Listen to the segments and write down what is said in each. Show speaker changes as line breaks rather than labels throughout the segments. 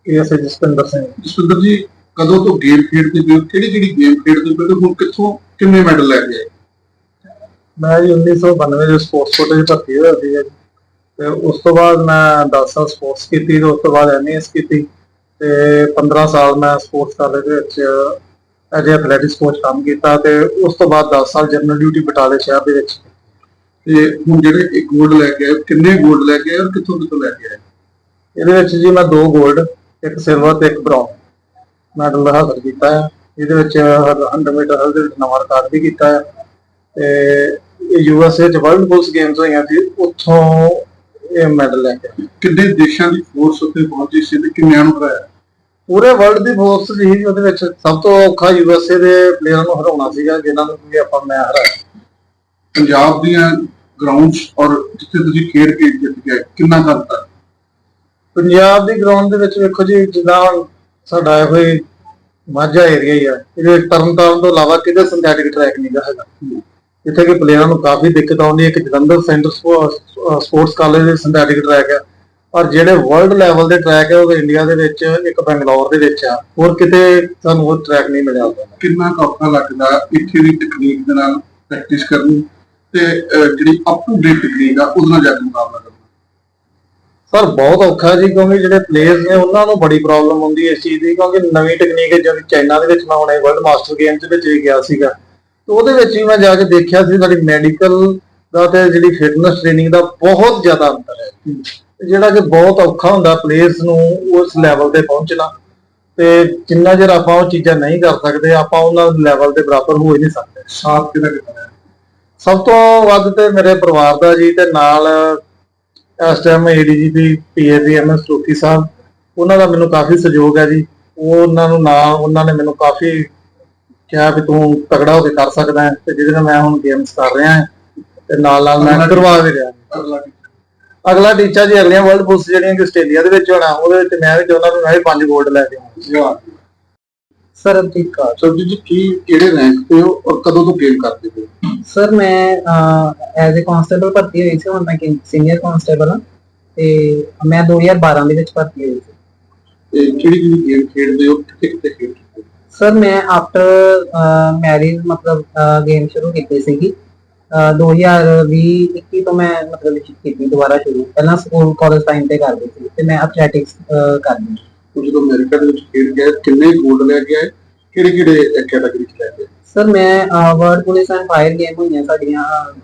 ASI Jaspinder Singh.
Jaswinder ਜੀ, ਕਦੋਂ ਤੋਂ ਗੇਮ ਖੇਡਦੇ ਪਏ ਹੋ? ਕਿਹੜੀ ਗੇਮ ਖੇਡਦੇ ਪਏ ਹੋ? ਹੁਣ ਕਿੱਥੋਂ ਕਿੰਨੇ ਮੈਡਲ ਲੈ ਕੇ ਆਏ?
ਮੈਂ ਜੀ 1992 ਦੇ ਸਪੋਰਟਸ ਕੋਟੇ 'ਚ ਭਰਤੀ ਹੋਇਆ ਸੀਗਾ ਜੀ, ਤੇ ਉਸ ਤੋਂ ਬਾਅਦ ਮੈਂ 10 ਸਾਲ ਸਪੋਰਟਸ ਕੀਤੀ, ਤੇ ਉਸ ਤੋਂ ਬਾਅਦ ਐਮਏਐਸ ਕੀਤੀ, ਤੇ 15 ਸਾਲ ਮੈਂ ਸਪੋਰਟਸ ਕਾਲਜ ਦੇ ਵਿੱਚ ਐਜ ਐਥਲੈਟਿਕਸ ਕੋਚ ਕੰਮ ਕੀਤਾ, ਤੇ ਉਸ ਤੋਂ ਬਾਅਦ 10 ਸਾਲ ਜਨਰਲ ਡਿਊਟੀ ਬਟਾਲੇ ਸ਼ਹਿਰ ਦੇ ਵਿੱਚ।
ਤੇ ਹੁਣ ਜਿਹੜੇ ਇੱਕ 골ਡ ਲੈ ਕੇ ਆਏ, ਕਿੰਨੇ 골ਡ ਲੈ ਕੇ ਆਏ ਔਰ ਕਿੱਥੋਂ ਲੈ ਕੇ ਆਏ?
ਇਹਦੇ ਵਿੱਚ ਜੀ ਮੈਂ 2 골ਡ, 1 ਸਿਲਵਰ ਤੇ 1 ਬ੍ਰੌਂਜ਼ ਮੈਡਲ ਹਾਸਲ ਕੀਤਾ ਹੈ। ਇਹਦੇ ਵਿੱਚ 100 ਮੀਟਰ ਹਲ ਦੇ ਵਿੱਚ ਨਵਾਂ ਰਿਕਾਰਡ ਵੀ ਕੀਤਾ ਹੈ, ਤੇ ਯੂਐਸਏ 'ਚ ਵਰਲਡ ਪੁਲਿਸ ਗੇਮਸ ਹੋਈਆਂ ਸੀ, ਉੱਥੋਂ ਇਹ ਮੈਡਲ ਲੈ ਕੇ ਆਏ।
ਕਿੰਨੇ ਦੇਸ਼ਾਂ ਦੀ ਫੋਰਸ ਉੱਥੇ ਪਹੁੰਚੀ ਸੀ ਤੇ ਕਿੰਨਿਆਂ ਨੂੰ ਹਰਾਇਆ?
ਪੂਰੇ ਵਰਲਡ ਦੀ ਫੋਰਸ ਸੀ ਉਹਦੇ ਵਿੱਚ। ਸਭ ਤੋਂ ਔਖਾ ਯੂਐਸਏ ਦੇ ਪਲੇਅਰਾਂ ਨੂੰ ਹਰਾਉਣਾ ਸੀਗਾ, ਜਿਨ੍ਹਾਂ ਨੂੰ ਵੀ ਆਪਾਂ ਮੈਂ ਹਰਾਇਆ।
ਪੰਜਾਬ ਦੀਆਂ ਗਰਾਊਂਡਸ ਔਰ ਜਿੱਥੇ ਤੁਸੀਂ ਖੇਡ ਕੇ ਜਿੱਤ ਗਏ, ਕਿੰਨਾ ਕਰਤਾ?
ਪੰਜਾਬ ਦੀ ਗਰਾਊਂਡ ਦੇ ਵਿੱਚ ਵੇਖੋ ਜੀ, ਜਿੱਦਾਂ ਸਾਡਾ ਇਹੋ ਹੀ ਮਾਝਾ ਏਰੀਆ ਹੀ ਆ, ਇਹਦੇ ਵਿੱਚ ਤਰਨਤਾਰਨ ਤੋਂ ਇਲਾਵਾ ਕਿਤੇ ਸਿੰਥੈਟਿਕ ਟਰੈਕ ਨਹੀਂ ਹੈਗਾ, ਜਿੱਥੇ ਕਿ ਪਲੇਅਰਾਂ ਨੂੰ ਕਾਫੀ ਦਿੱਕਤ ਆਉਂਦੀ ਹੈ। ਇੱਕ ਜਲੰਧਰ ਸੈਂਟਰ ਸਪੋਰਟਸ ਕਾਲਜ ਦੇ ਸਿੰਥੈਟਿਕ ਟਰੈਕ ਹੈ, ਪਰ ਜਿਹੜੇ ਵਰਲਡ ਲੈਵਲ ਦੇ ਟਰੈਕ ਹੈ ਉਹ ਇੰਡੀਆ ਦੇ ਵਿੱਚ ਇੱਕ ਬੈਂਗਲੌਰ ਦੇ ਵਿੱਚ ਆ, ਹੋਰ ਕਿਤੇ ਸਾਨੂੰ ਉਹ ਟਰੈਕ ਨਹੀਂ ਮਿਲਿਆ।
ਕਿੰਨਾ ਔਖਾ ਲੱਗਦਾ ਇੱਥੇ ਦੀ ਟੈਕਨੀਕ ਦੇ ਨਾਲ ਪ੍ਰੈਕਟਿਸ ਕਰਨੀ ਤੇ ਜਿਹੜੀ ਅਪ ਟੂ ਡੇਟ ਟੈਕਨੀਕ ਆ ਉਹਦੇ ਨਾਲ ਜਾ ਕੇ ਮੁਕਾਬਲਾ ਕਰਨਾ?
ਸਰ ਬਹੁਤ ਔਖਾ ਜੀ, ਕਿਉਂਕਿ ਜਿਹੜੇ ਪਲੇਅਰਸ ਨੇ ਉਹਨਾਂ ਨੂੰ ਬੜੀ ਪ੍ਰੋਬਲਮ ਹੁੰਦੀ ਹੈ ਇਸ ਚੀਜ਼ ਦੀ, ਕਿਉਂਕਿ ਨਵੀਂ ਟੈਕਨੀਕ ਹੈ। ਜਿਵੇਂ ਚਾਈਨਾ ਦੇ ਵਿੱਚ ਮੈਂ ਹੁਣੇ ਵਰਲਡ ਮਾਸਟਰ ਗੇਮ ਦੇ ਵਿੱਚ ਵੀ ਗਿਆ ਸੀਗਾ, ਤੇ ਉਹਦੇ ਵਿੱਚ ਵੀ ਮੈਂ ਜਾ ਕੇ ਦੇਖਿਆ ਸੀ ਸਾਡੀ ਮੈਡੀਕਲ ਦਾ ਤੇ ਜਿਹੜੀ ਫਿਟਨੈਸ ਟ੍ਰੇਨਿੰਗ ਦਾ ਬਹੁਤ ਜ਼ਿਆਦਾ ਅੰਤਰ ਹੈ, ਜਿਹੜਾ ਕਿ ਬਹੁਤ ਔਖਾ ਹੁੰਦਾ ਪਲੇਅਰਸ ਨੂੰ ਉਸ ਲੈਵਲ ਤੇ ਪਹੁੰਚਣਾ। ਤੇ ਜਿੰਨਾ ਚਿਰ ਆਪਾਂ ਉਹ ਚੀਜ਼ਾਂ ਨਹੀਂ ਕਰ ਸਕਦੇ, ਆਪਾਂ ਉਹਨਾਂ ਲੈਵਲ ਦੇ ਬਰਾਬਰ ਹੋ ਹੀ ਨਹੀਂ ਸਕਦੇ।
ਸਾਥ ਕਿਹਦਾ ਕਿਹਦਾ?
ਸਭ ਤੋਂ ਵੱਧ ਤੇ ਮੇਰੇ ਪਰਿਵਾਰ ਦਾ ਜੀ, ਤੇ ਨਾਲ ਇਸ time ADGP PAC MS Toki ਸਾਹਿਬ, ਉਹਨਾਂ ਦਾ ਮੈਨੂੰ ਕਾਫੀ ਸਹਿਯੋਗ ਹੈ ਜੀ। ਉਹਨਾਂ ਨੇ ਮੈਨੂੰ ਕਾਫੀ ਕਿਹਾ ਵੀ ਤੂੰ ਤਗੜਾ ਹੋ ਕੇ ਕਰ ਸਕਦਾ ਹੈ, ਤੇ ਜਿਹਦੇ ਨਾਲ ਮੈਂ ਹੁਣ ਗੇਮਸ ਕਰ ਰਿਹਾ ਹਾਂ, ਤੇ ਨਾਲ ਮੈਂ ਕਰਵਾ ਵੀ ਰਿਹਾ। ਅਗਲਾ ਟੀਚਾ ਜੀ ਅਗਲੀਆਂ ਵਰਲਡ ਪੁਲਿਸ ਜਿਹੜੀਆਂ ਕਿ ਆਸਟ੍ਰੇਲੀਆ ਦੇ ਵਿੱਚ ਹੋਣਾ, ਉਹਦੇ ਵਿੱਚ ਮੈਂ ਵੀ ਚਾਹੁੰਦਾ ਵੀ ਮੈਂ ਵੀ 5 골ਡ ਲੈ ਕੇ ਆਵਾਂ।
ਸਰ ਠੀਕ ਆ। ਸਰਬਜੀਤ ਜੀ, ਕਿਹੜੇ ਰੈਂਕ ਤੇ ਹੋ ਔਰ ਕਦੋਂ ਤੋਂ ਗੇਮ ਕਰਦੇ ਹੋ?
ਸਰ ਮੈਂ ਐਜ਼ ਅ ਕਾਂਸਟੇਬਲ ਭਰਤੀ ਹੋਈ ਸੀ, ਹੁਣ ਮੈਂ ਸੀਨੀਅਰ ਕਾਂਸਟੇਬਲ ਹਾਂ, ਤੇ ਮੈਂ 2012 ਦੇ ਵਿੱਚ ਭਰਤੀ ਹੋਈ ਸੀ।
ਤੇ ਕਿਹੜੀ ਗੇਮ ਖੇਡਦੇ ਹੋ, ਕਿੱਥੇ ਖੇਡਦੇ ਹੋ?
ਸਰ ਮੈਂ ਆਫਟਰ ਮੈਰਿਜ ਮਤਲਬ ਗੇਮ ਸ਼ੁਰੂ ਕੀਤੀ ਸੀਗੀ 2020-21 ਤੋਂ ਮੈਂ ਮਤਲਬ ਕੀਤੀ ਦੁਬਾਰਾ ਸ਼ੁਰੂ। ਪਹਿਲਾਂ ਸਕੂਲ ਕਾਲਜ ਟਾਈਮ ਤੇ ਕਰਦੀ ਸੀ, ਤੇ ਮੈਂ ਐਥਲੈਟਿਕਸ ਕਰਦੀ।
ਜਦੋਂ ਅਮਰੀਕਾ ਦੇ ਵਿੱਚ ਖੇਡ ਗਏ, ਕਿੰਨੇ 골ਡ ਲੈ ਕੇ ਆਏ? ਕਿਹੜੇ ਕੈਟਾਗਰੀ ਚ ਲੈ ਕੇ?
ਸਰ ਮੈਂ world police and fire game ਹੋਈਆਂ ਸਾਡੀਆਂ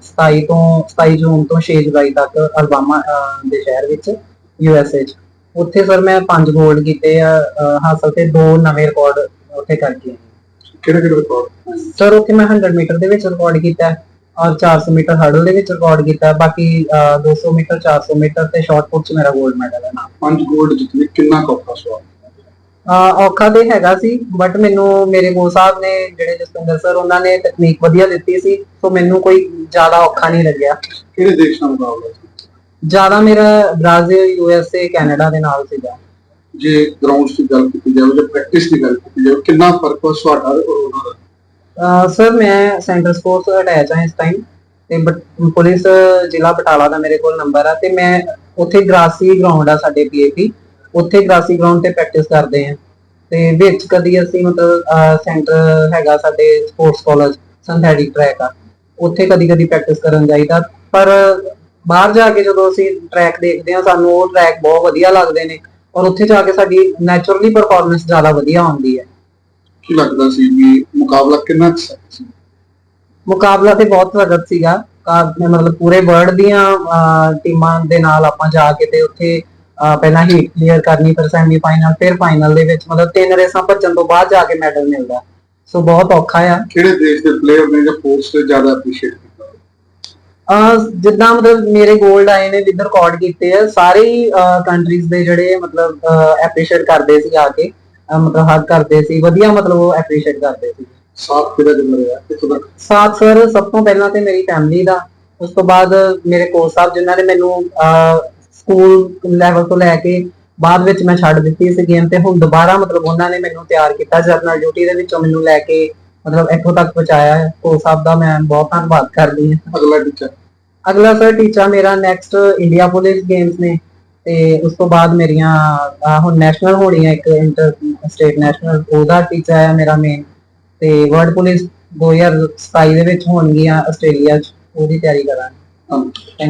27 ਜੂਨ ਤੋਂ 6 ਜੁਲਾਈ ਤੱਕ ਅਲਬਾਮਾ ਦੇ ਸ਼ਹਿਰ ਵਿੱਚ ਯੂਐਸਏ ਚ। ਉੱਥੇ ਸਰ ਮੈਂ 5 골ਡ ਕੀਤੇ ਆ ਹਾਸਲ, ਤੇ 2 ਨਵੇਂ ਰਿਕਾਰਡ ਉੱਥੇ ਕਰਕੇ ਆਏ।
ਕਿਹੜੇ ਰਿਕਾਰਡ?
ਸਰ ਉੱਥੇ ਮੈਂ 100 ਮੀਟਰ ਦੇ ਵਿੱਚ ਰਿਕਾਰਡ ਕੀਤਾ, ਔਰ 400 ਮੀਟਰ ਹਰਡਲ ਦੇ ਵਿੱਚ ਰਿਕਾਰਡ ਕੀਤਾ, ਬਾਕੀ 200 ਮੀਟਰ 400 ਮੀਟਰ ਤੇ ਸ਼ਾਰਟ ਪੁੱਟ ਚ ਮੇਰਾ 골ਡ ਮੈਡਲ ਹੈ ਨਾ।
5 골ਡ ਜਿੱਤਨੇ ਕਿੰਨਾ ਔਖਾ ਸਵਾਲ?
ਔਖਾ ਤੇ ਹੈਗਾ ਸੀ, ਬਟ ਮੈਨੂੰ ਮੇਰੇ ਕੋਚ ਸਾਹਿਬ ਨੇ ਜਿਹੜੇ ਜਸਪਿੰਦਰ ਸਰ, ਉਹਨਾਂ ਨੇ ਤਕਨੀਕ ਵਧੀਆ ਦਿੱਤੀ ਸੀ, ਸੋ ਮੈਨੂੰ ਕੋਈ ਜ਼ਿਆਦਾ ਔਖਾ ਨਹੀਂ ਲੱਗਿਆ।
ਕਿਹੜੇ ਦੇਸ਼ ਨਾਲ ਮੁਕਾਬਲਾ ਸੀ?
ਜ਼ਿਆਦਾ ਮੇਰਾ ਬ੍ਰਾਜ਼ੀਲ, ਯੂਐਸਏ, ਕੈਨੇਡਾ ਦੇ ਨਾਲ ਸੀਗਾ।
ਜੇ ਗਰਾਊਂਡਸ ਦੀ ਗੱਲ ਕੀਤੀ ਜਾਵੇ ਜਾਂ ਪ੍ਰੈਕਟਿਸ ਦੀ ਗੱਲ ਕੀਤੀ ਜਾਵੇ, ਕਿੰਨਾ ਫਰਕ ਹੋ ਤੁਹਾਡਾ ਔਰ ਉਹਨਾਂ ਦਾ?
ਸਰ ਮੈਂ ਸੈਂਟਰ ਸਪੋਰਟਸ ਅਟੈਚ ਹਾਂ ਇਸ ਟਾਈਮ, ਤੇ ਪੁਲਿਸ ਜ਼ਿਲ੍ਹਾ ਬਟਾਲਾ ਦਾ ਮੇਰੇ ਕੋਲ ਨੰਬਰ ਆ, ਤੇ ਮੈਂ ਉੱਥੇ ਗ੍ਰਾਸੀ ਗਰਾਊਂਡ ਆ ਸਾਡੇ ਪੀਏਪੀ, ਉੱਥੇ ਗ੍ਰਾਸੀ ਗਰਾਊਂਡ ਤੇ ਪ੍ਰੈਕਟਿਸ ਕਰਦੇ ਆ। ਤੇ ਵਿੱਚ ਕਦੀ ਅਸੀਂ ਮਤਲਬ ਸੈਂਟਰ ਹੈਗਾ ਸਾਡੇ ਸਪੋਰਟਸ ਕਾਲਜ ਸਿੰਥੈਟਿਕ ਟਰੈਕ ਆ, ਉੱਥੇ ਕਦੀ ਪ੍ਰੈਕਟਿਸ ਕਰਨ ਜਾਈਦਾ। ਪਰ ਬਾਹਰ ਜਾ ਕੇ ਜਦੋਂ ਅਸੀਂ ਟਰੈਕ ਦੇਖਦੇ ਆ, ਸਾਨੂੰ ਉਹ ਟਰੈਕ ਬਹੁਤ ਵਧੀਆ ਲੱਗਦੇ ਨੇ, ਔਰ ਉੱਥੇ ਜਾ ਕੇ ਸਾਡੀ ਨੈਚੁਰਲੀ ਪਰਫਾਰਮੈਂਸ ਜ਼ਿਆਦਾ ਵਧੀਆ ਆਉਂਦੀ ਹੈ।
ਕੀ ਲੱਗਦਾ ਸੀ ਵੀ ਮੁਕਾਬਲਾ ਕਿੰਨਾ ਸਖਤ ਸੀ?
ਮੁਕਾਬਲਾ ਤੇ ਬਹੁਤ ਸਖਤ ਸੀਗਾ, ਮਤਲਬ ਪੂਰੇ ਵਰਲਡ ਦੀਆਂ ਟੀਮਾਂ ਦੇ ਨਾਲ ਆਪਾਂ ਜਾ ਕੇ ਤੇ ਉੱਥੇ ਪਹਿਲਾਂ ਹੀਟ ਕਲੀਅਰ ਕਰਨੀ, ਫਿਰ ਸੈਮੀਫਾਈਨਲ, ਫਿਰ ਫਾਈਨਲ ਦੇ ਵਿੱਚ ਮਤਲਬ 3 ਰੇਸਾਂ ਭੱਜਣ ਤੋਂ ਬਾਅਦ ਜਾ ਕੇ ਮੈਡਲ ਮਿਲਦਾ, ਸੋ ਬਹੁਤ ਔਖਾ ਆ।
ਕਿਹੜੇ ਦੇਸ਼ ਦੇ ਪਲੇਅਰ ਨੇ ਜਾਂ ਫੋਰਸ ਤੇ ਜ਼ਿਆਦਾ ਅਪਰੀਸ਼ੀਏਟ ਕੀਤਾ?
ਜਿੱਦਾਂ ਮਤਲਬ ਮੇਰੇ 골ਡ ਆਏ ਨੇ ਵਿਦ ਰਿਕਾਰਡ ਕੀਤੇ ਆ, ਸਾਰੇ ਕੰਟਰੀਜ਼ ਦੇ ਜਿਹੜੇ ਮਤਲਬ ਐਪਰੀਸ਼ੀਏਟ ਕਰਦੇ ਸੀ ਆ ਕੇ, ਮਤਲਬ ਹੱਗ ਕਰਦੇ ਸੀ, ਵਧੀਆ ਮਤਲਬ ਉਹ ਐਪਰੀਸ਼ੀਏਟ ਕਰਦੇ ਸੀ।
ਸਾਥ ਕਿਹਦਾ ਦਿੰਦਾ ਰਿਹਾ ਇੱਥੋਂ ਤੱਕ?
ਸਾਥ ਸਰ ਸਭ ਤੋਂ ਪਹਿਲਾਂ ਤੇ ਮੇਰੀ ਫੈਮਿਲੀ ਦਾ, ਉਸ ਤੋਂ ਬਾਅਦ ਮੇਰੇ ਕੋਚ ਸਾਹਿਬ, ਜਿਨ੍ਹਾਂ ਨੇ ਮੈਨੂੰ ਸਕੂਲ ਲੈਵਲ ਤੋਂ ਲੈ ਕੇ ਬਾਅਦ ਵਿੱਚ ਮੈਂ ਛੱਡ ਦਿੱਤੀ ਸੀ ਗੇਮ, ਤੇ ਹੁਣ ਦੁਬਾਰਾ ਮਤਲਬ ਉਹਨਾਂ ਨੇ ਮੈਨੂੰ ਤਿਆਰ ਕੀਤਾ ਜਰਨਲ ਡਿਊਟੀ ਦੇ ਵਿੱਚੋਂ ਮੈਨੂੰ ਲੈ ਕੇ ਮਤਲਬ ਇੱਥੋਂ ਤੱਕ ਪਹੁੰਚਾਇਆ ਹੈ। ਕੋਚ ਸਾਹਿਬ ਦਾ ਮੈਂ ਬਹੁਤ ਧੰਨਵਾਦ ਕਰਦੀ ਹਾਂ।
ਅਗਲਾ ਟੀਚਾ?
ਅਗਲਾ ਸਰ ਟੀਚਾ ਮੇਰਾ ਨੈਕਸਟ ਇੰਡੀਆ ਪੁਲਿਸ ਗੇਮਸ ਨੇ, ਤੇ ਉਸ ਤੋਂ ਬਾਅਦ ਮੇਰੀਆਂ ਹੁਣ ਨੈਸ਼ਨਲ ਹੋਣੀਆਂ, ਇੱਕ ਇੰਟਰ ਸਟੇਟ ਨੈਸ਼ਨਲ, ਉਹਦਾ ਟੀਚਾ ਹੈ ਮੇਰਾ ਮੇਨ। ਤੇ ਵਰਲਡ ਪੁਲਿਸ 2027 ਦੇ ਵਿੱਚ ਹੋਣਗੀਆਂ ਆਸਟ੍ਰੇਲੀਆ 'ਚ, ਉਹਦੀ ਤਿਆਰੀ ਕਰਾਂਗੇ।